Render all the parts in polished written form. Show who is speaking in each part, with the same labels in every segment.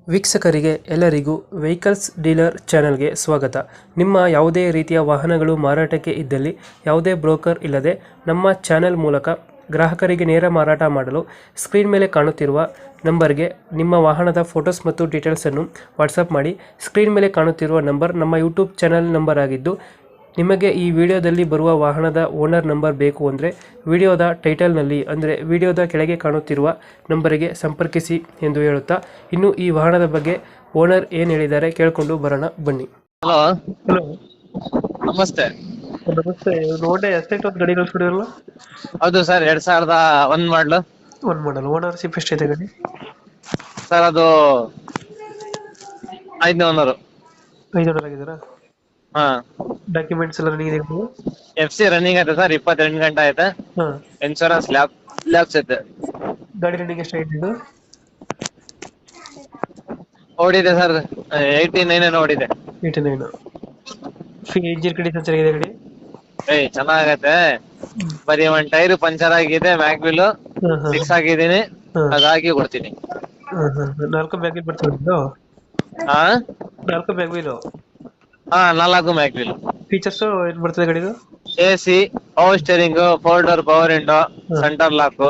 Speaker 1: ವೀಕ್ಷಕರಿಗೆ ಎಲ್ಲರಿಗೂ vehicles dealer ಚಾನೆಲ್ಗೆ ಸ್ವಾಗತ. ನಿಮ್ಮ ಯಾವುದೇ ರೀತಿಯ ವಾಹನಗಳು ಮಾರಾಟಕ್ಕೆ ಇದ್ದಲ್ಲಿ ಯಾವುದೇ ಬ್ರೋಕರ್ ಇಲ್ಲದೆ ನಮ್ಮ ಚಾನೆಲ್ ಮೂಲಕ ಗ್ರಾಹಕರಿಗೆ ನೇರ ಮಾರಾಟ ಮಾಡಲು ಸ್ಕ್ರೀನ್ ಮೇಲೆ ಕಾಣುತ್ತಿರುವ ನಂಬರ್ಗೆ ನಿಮ್ಮ ವಾಹನದ ಫೋಟೋಸ್ ಮತ್ತು ಡೀಟೇಲ್ಸನ್ನು ವಾಟ್ಸಪ್ ಮಾಡಿ. ಸ್ಕ್ರೀನ್ ಮೇಲೆ ಕಾಣುತ್ತಿರುವ ನಂಬರ್ ನಮ್ಮ ಯೂಟ್ಯೂಬ್ ಚಾನೆಲ್ ನಂಬರ್ ಆಗಿದ್ದು, ನಿಮಗೆ ಈ ವಿಡಿಯೋದಲ್ಲಿ ಬರುವ ವಾಹನದ ಓನರ್ ನಂಬರ್ ಬೇಕು ಅಂದರೆ ವಿಡಿಯೋದ ಟೈಟಲ್ನಲ್ಲಿ ಅಂದರೆ ವಿಡಿಯೋದ ಕೆಳಗೆ ಕಾಣುತ್ತಿರುವ ನಂಬರಿಗೆ ಸಂಪರ್ಕಿಸಿ ಎಂದು ಹೇಳುತ್ತಾ, ಇನ್ನು ಈ ವಾಹನದ ಬಗ್ಗೆ ಓನರ್ ಏನು ಹೇಳಿದ್ದಾರೆ ಕೇಳಿಕೊಂಡು ಬರೋಣ ಬನ್ನಿ.
Speaker 2: ಹಲೋ,
Speaker 1: ಹಲೋ,
Speaker 2: ನಮಸ್ತೆ.
Speaker 1: ನಮಸ್ತೆ. ನೋಡೆ ಎಸ್ಟೇಟ್ ಒಂದು ಗಾಡಿ ಕಳಿಸ್ಬಿಡಿರಲ್ಲ?
Speaker 2: ಹೌದು ಸರ್, 2001 ಮಾಡ್ಲು.
Speaker 1: ಒಂದು ಮಾಡಲ್. ಓನರ್ಶಿಪ್ ಎಷ್ಟಿದೆ ಗಾಡಿ?
Speaker 2: ಸರ್ ಅದು 5ನೇ ಓನರು.
Speaker 1: 5 ಓನರ್ ಆಗಿದ್ದೀರಾ?
Speaker 2: ಹಾ,
Speaker 1: ಡಾಕ್ಯುಮೆಂಟ್ಸ್ ಎಲ್ಲ ರನ್ನಿಂಗ್ ಇದೆ?
Speaker 2: FC ರನ್ನಿಂಗ್ ಐತೆ ಸರ್, 28 ಗಂಟೆ ಐತೆ.
Speaker 1: ಹಾಂ.
Speaker 2: ಇನ್ಶೂರೆನ್ಸ್ ಲ್ಯಾಬ್ಸ್ ಐತೆ.
Speaker 1: ಗಾಡಿ ರನ್ನಿಂಗ್ ಎಷ್ಟಾಗಿದೆ ಇದು?
Speaker 2: ಓಡಿದೆ ಸರ್, 89 ಓಡಿದೆ.
Speaker 1: 89. ಇಂಜಿನ್ ಕಂಡೀಷನ್ ಚೆನ್ನಾಗಿದೆ ಗಾಡಿ?
Speaker 2: ಚೆನ್ನಾಗೈತೆ. ಬರೀ ಒಂದ್ ಟೈರ್ ಪಂಚರ್ ಆಗಿದೆ, ಮ್ಯಾಗ್ ವೀಲ್ ಫಿಕ್ಸ್ ಆಗಿದ್ದೀನಿ, ಅದಾಗಿ ಕೊಡ್ತೀನಿ.
Speaker 1: 4 ಬ್ಯಾಗ್ ವೀಲ್ ಬರ್ತದೆ?
Speaker 2: ಹಾ,
Speaker 1: 4 ಬ್ಯಾಗ್ ವೀಲು?
Speaker 2: ಹಾ, 4 ಮ್ಯಾಗ್ ವೀಲ್.
Speaker 1: ಫೀಚರ್ಸ್ ಏನ್ ಬರ್ತದೆ ಗಾಡಿದು?
Speaker 2: AC, power steering, 4 door power window, centre lock.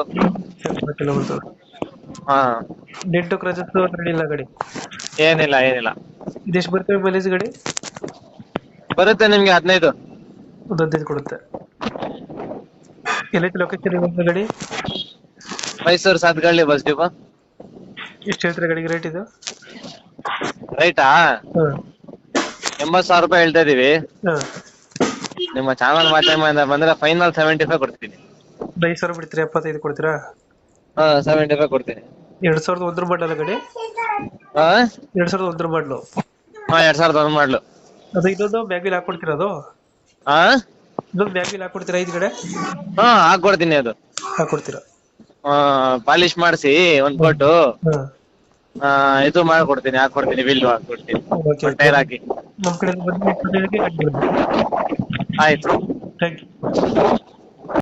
Speaker 2: ಹಾ,
Speaker 1: ಡೆಂಟು ಕ್ರಚಸ್ ಇಲ್ಲ ಗಾಡಿ?
Speaker 2: ಏನಿಲ್ಲ.
Speaker 1: ಇದೆಷ್ಟು ಬರ್ತದೆ ಮೈಲೇಜ್ ಗಾಡಿ?
Speaker 2: ಬರುತ್ತೆ ನಿಮ್ಗೆ 15.
Speaker 1: ಒಂದು 15 ಕೊಡುತ್ತೆ. ಎಲ್ಲೈತೆ ಲೊಕೇಶನ್ ಇವಾಗ ಗಾಡಿ?
Speaker 2: Mysuru Sathgalli bus depot.
Speaker 1: ಎಷ್ಟು ಹೇಳ್ತಾರೆ ಗಾಡಿಗೆ ರೇಟ್ ಇದು?
Speaker 2: ರೈಟಾ? 80,000 ರೂಪಾಯಿ ಹೇಳ್ತಾ ಇದೀವಿ. ನಿಮ್ಮ ಚಾನಲ್ ಮಾಧ್ಯಮದಿಂದ ಬಂದ್ರೆ ಫೈನಲ್ 75 ಕೊಡ್ತೀನಿ.
Speaker 1: 5,000 ಬಿಡ್ತೀರಾ? 75 ಕೊಡ್ತೀರಾ?
Speaker 2: ಹಾ, 75 ಕೊಡ್ತೀನಿ.
Speaker 1: 2001 ಮಾಡಲ್ಲ ಗಾಡಿ?
Speaker 2: ಹಾ,
Speaker 1: 2001 ಮಾಡಲು?
Speaker 2: ಹಾ, 2001 ಮಾಡ್ಲು.
Speaker 1: ಅದು ಇನ್ನೊಂದು ಬ್ಯಾಗ್ ವೀಲ್ ಹಾಕೊಡ್ತೀರಾ? ಅದು
Speaker 2: ಹಾ,
Speaker 1: ಇನ್ನೊಂದು ಬ್ಯಾಗ್ ವೀಲ್ ಹಾಕೊಡ್ತೀರಾ? 5 ಕಡೆ
Speaker 2: ಹಾ ಹಾಕೊಡ್ತೀನಿ. ಅದು
Speaker 1: ಹಾಕೊಡ್ತೀರಾ?
Speaker 2: ಪಾಲಿಶ್ ಮಾಡಿಸಿ ಒಂದ್ ಕೊಟ್ಟು ಇದು ಮಾಡ್ಕೊಡ್ತೀನಿ, ಹಾಕೊಡ್ತೀನಿ, ಬಿಲ್ ಹಾಕೊಡ್ತೀನಿ, ಟೈರ್ ಹಾಕಿ.
Speaker 1: ನಮ್ಮ ಕಡೆ ಬಂದು
Speaker 2: ಆಯ್ತು.
Speaker 1: Thank you.